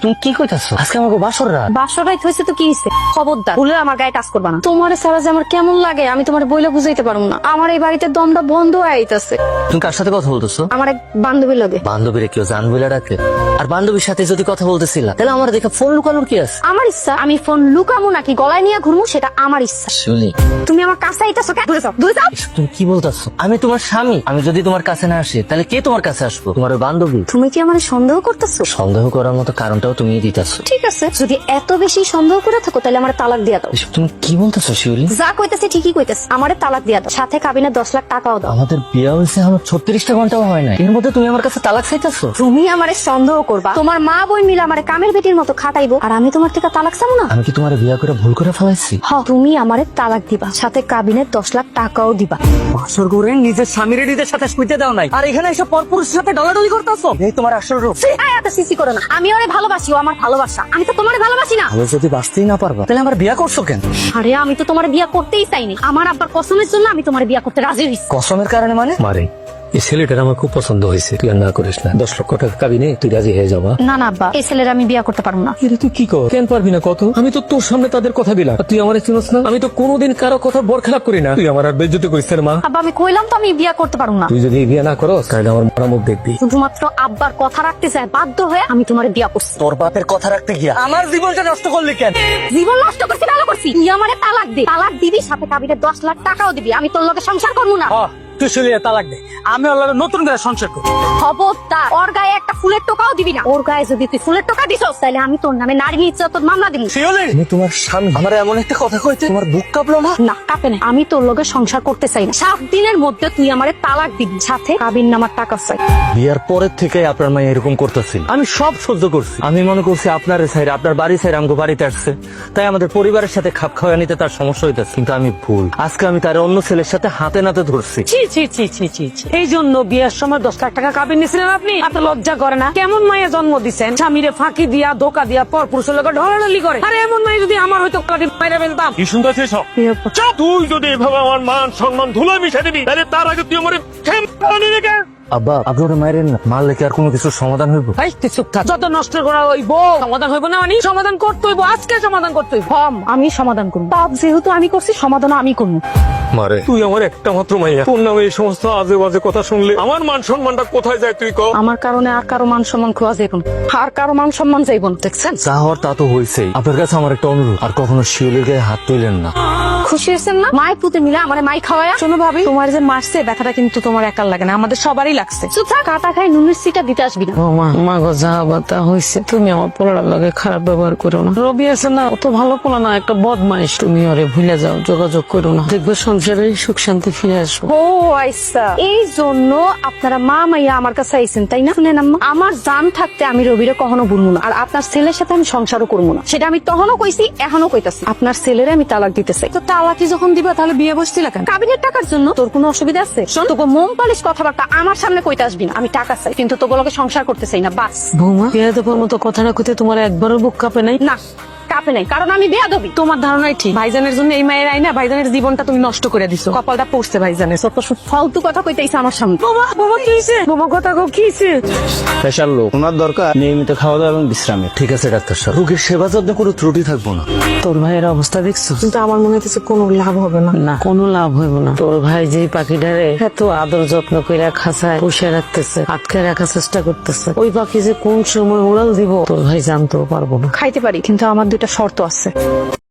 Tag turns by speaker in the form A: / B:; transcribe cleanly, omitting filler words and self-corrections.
A: তুমি কি কইতাছো? আজকে আমাকে বাসর রাত।
B: বাসর রাত হয়েছে তো কি হইছে? খবরদার ভুলে আমার গায়ে টাচ করবা না। তোমার সারা যে আমার কেমন লাগে আমি তোমার বইলে বুঝাইতে পারবো না। আমার এই বাড়িতে দমটা বন্ধ হয়ে আইতাছে।
A: তুমি কার সাথে কথা বলতেছো?
B: আমার এক বান্ধবী লাগে।
A: বান্ধবীরে কেউ জান বইলা ডাকে? আর বান্ধবীর সাথে যদি কথা বলতেছিলা তাহলে আমার দেখে ফোন লুকানোর কি আছে?
B: আমার ইচ্ছা আমি ফোন লুকামু নাকি গলায় নিয়ে ঘুরমু সেটা আমার ইচ্ছা।
A: শুনি
B: তুমি আমার কাছে আইতাছো কেন? দূরে যাও, দূরে যাও।
A: তুমি কি বলতেছো? আমি তোমার স্বামী, আমি যদি তোমার কাছে না আসি তাহলে কে তোমার কাছে আসবো? তোমার ওই বান্ধবী।
B: তুমি কি আমার সন্দেহ করতেছো?
A: সন্দেহ করার মতো কারণটাও তুমি দিতেছো।
B: ঠিক আছে, যদি এত বেশি সন্দেহ করে থাকো তাহলে আমার তালাক দিয়া দাও।
A: তুমি কি বলতেছো শিউলি?
B: যা কইতেছে ঠিকই কইতেছে, আমারে তালাক দিয়া দাও, সাথে কাবিনে 10 লাখ টাকাও দাও।
A: আমাদের বিয়ে হয়েছে আমার 36টা ঘন্টাও হয় না, এর মধ্যে তুমি আমার কাছে তালাক চাইতেছো?
B: তুমি আমারে সন্দেহ করবা, তোমার মা বই মিলে আমারে কামের বেটির মতো খাটাইবো, আর আমি তোমার থেকে তালাক চাবো না?
A: আমি কি তোমার বিয়ে করে ভুল করে ফেলাইছি?
B: তুমি আমারে তালাক দিবা, সাথে কাবিনে 10 লাখ টাকাও দিবা।
A: বাসর করে নিজের স্বামীর নিজের সাথে শুইতে দাও নাই, আর এখানে এসে পরপুরুষের সাথে ডলাডলি করতেছো। এই তোমার আসল রূপ।
B: এত সিসি করে না, আমি ওরে ভালোবাসি, ও আমার ভালোবাসা, আমি তো তোমারে ভালোবাসি না।
A: ভালো যদি বাঁচতেই না পারবা তাহলে আমার বিয়ে করছো কেন?
B: আরে আমি তো তোমার বিয়া করতেই চাইনি, আমার আব্বার কসমের জন্য আমি তোমার বিয়া করতে রাজি হইছি।
A: কসমের কারণে মানে?
C: মারে এই ছেলেটার আমার খুব পছন্দ হয়েছে, তুই আর না করিস না। 10 লক্ষ টাকা কাবিনে তুই রাজি হয়ে যাবা?
B: না না আব্বা, এই ছেলের আমি বিয়া করতে পারবো না।
C: এটা তুই কি কর? কেন পারবি না কত? আমি তো তোর সামনে তাদের কথা দিলাম, আর তুই আমার চিনস না। আমি তো কোনোদিন কারো কথা বরখেলাপ করি না। তুই আমার আর বেজ্জতি করিস না মা।
B: আব্বা আমি কইলাম তো আমি বিয়া করতে পারবো না।
C: তুই যদি বিয়ে না করস তাহলে আমার মরা মুখ দেখবি।
B: শুধুমাত্র আব্বার কথা রাখতে চাই, বাধ্য হয়ে আমি তোমার বিয়া করছি।
A: তোর বাপের কথা রাখতে গিয়া আমার জীবনটা নষ্ট করলি কেন?
B: জীবন নষ্ট করছি, ভালো করছি। তুই আমারে তালাক দে, তালাক দিবি, সাথে কাবিনে 10 লাখ টাকাও দিবি, আমি তোর লগে সংসার করবো না।
A: তুই শুলিয়ে তালাক দে, আমি ওর লগে নতুন করে সংসার করব।
B: খবরদার ওর গায়ে একটা ফুলের টোকাও দিবি না। ওর গায়ে যদি তুই ফুলের টোকা দিছস তাহলে আমি তোর নামে নারী নির্যাতন মামলা দিব।
A: আমি তোমার স্বামী, আমার এমন একটা কথা কইতে তোমার বুক কাঁপলো না?
B: না কাঁপে না, আমি তোর লগে সংসার করতে চাই না। 7 দিনের মধ্যে তুই আমারে তালাক দিবি, সাথে কাবিন নামার টাকা চাই।
A: বিয়ার পরের থেকে আপনার মা এরকম করতেছিল, আমি সব সহ্য করছি। আমি মনে করছি আপনার সাইড, আপনার বাড়ি সাইড আমগো বাড়িতে আসছে, তাই আমাদের পরিবারের সাথে খাপ খাওয়া নিতে তার সমস্যা হইতেছে। কিন্তু আমি ভুল, আজকে আমি তার অন্য ছেলের সাথে হাতে নাতে ধরছি।
D: ছি ছি ছি ছি ছি ছি। এই জন্য বিয়ের সময় 10 লাখ টাকা কাবিন নিয়েছিলেন আপনি? এত লজ্জা করে না? কেমন মায়ের জন্ম দিচ্ছেন, স্বামীরে ফাঁকি দিয়া ধোকা দিয়া পর পুরুষের লোক ঢলাঢলি করে। আরে এমন মাই যদি আমার হয়তো কাটি মাইরা ফেলতাম।
E: কি শুনতেছিস সব? তুই যদি এভাবে আমার মান সম্মান ধুলো মিশে দিবি তাহলে তার আগে তুই আমার
A: আব্বা আপনি ওটা মাইরেন না, মারলে কি আর কোনো কিছুর সমাধান হইব?
D: এই তুই চুপ থাক। যত নষ্ট করা হইব সমাধান হইব না, মানে সমাধান করতে হইব, আজকে সমাধান করতে হইব।
B: আমি সমাধান করবো, পাপ যেহেতু আমি করছি সমাধান আমি করবো।
E: মারে তুই আমার একটা মাত্র মাইয়া, তোর নামে এই সমস্ত আজে বাজে কথা শুনলে আমার মান সম্মানটা কোথায় যায় তুই কও?
B: আমার কারণে আর কারো মান সম্মান খোয়া যাইব না, আর কারো মান সম্মান যাইব না, দেখছেন?
A: যা হওয়ার তা তো হয়েছেই। আপনার কাছে আমার একটা অনুরোধ, আর কখনো শিউলির গায়ে হাত তুলেন না।
B: খুশি হয়েছেন না? মাই পুতে মিলে আমার মাই খাওয়ায়া।
D: শোনো ভাবি, তোমার যে মারছে ব্যথাটা কিন্তু তোমার একার লাগে না, আমাদের সবারই লাগছে।
B: চুপ থাক, কাটা খাই নুনের সিটা দিতে আসবি না।
D: মা গো যা বাতা হয়েছে, তুমি আমার পোলার লগে খারাপ ব্যবহার করো না। রবি আছে না, অত ভালো পোলা না, একটা বদমাইশ। তুমি ওরে ভুলে যাও, যোগাযোগ করো না, দেখবে সংসারে সুখ শান্তি ফিরে আসবো।
B: ও আইসা, এই জন্য আপনারা মা মাইয়া আমার কাছে আইছেন তাই না? শুনেন আম্মা, আমার জান থাকতে আমি রবিরে কখনো ভুলবো না, আর আপনার ছেলের সাথে আমি সংসারও করবো না। সেটা আমি তখনও কইছি, এখনো কইতাছি। আপনার ছেলেরে আমি তালাক দিতে চাই। তো তালাকি যখন দিবা তাহলে বিয়ে বসছিল কেন? কাবিনের টাকার জন্য। তোর কোনো অসুবিধা আছে? শোন, তোকে মোম পালিশ কথাবার্তা আমার সামনে কইতে আসবি না। আমি টাকা চাই, কিন্তু তোগুলোকে সংসার করতে চাই না, বাস।
D: বৌমা, বিয়ে দেবার মতো কথা না কইতে তোমার একবারও বুক কাঁপে নাই?
B: না কাপে নাই, কারণ আমি বেয়াদবি।
D: তোমার ধারণাই ঠিক। ভাইজানের জন্য এই মায়ের আইনা ভাইজানের জীবনটা তুমি নষ্ট করে দিছো। কপালটা পড়ছে ভাইজানের।
B: ফালতু কথা কইতেইছে আমার সামনে।
D: বোমা বোমা কি হইছে? বোমা কথা কও, কি হইছে?
A: স্পেশাল লোক, ওনার দরকার নিয়মিত খাওয়া দাওয়া এবং বিশ্রামে। ঠিক আছে ডাক্তার সাহেব, রোগীর সেবা যত্নে কোনো ত্রুটি থাকবো না।
D: তোর ভাইয়ের অবস্থা দেখছো? কিন্তু আমার মনে হচ্ছে কোনো লাভ হবে না। না, কোনো লাভ হইব না। তোর ভাই যেই পাখিটারে এত আদর যত্ন করে খাঁচায় পুষে রাখতেছে, আটকে রাখার চেষ্টা করতেছে, ওই পাখি যে কোন সময় উড়াল দিব তোর ভাই জানতেও পারবো না।
B: খাইতে পারি, কিন্তু আমার 2টা শর্ত আছে।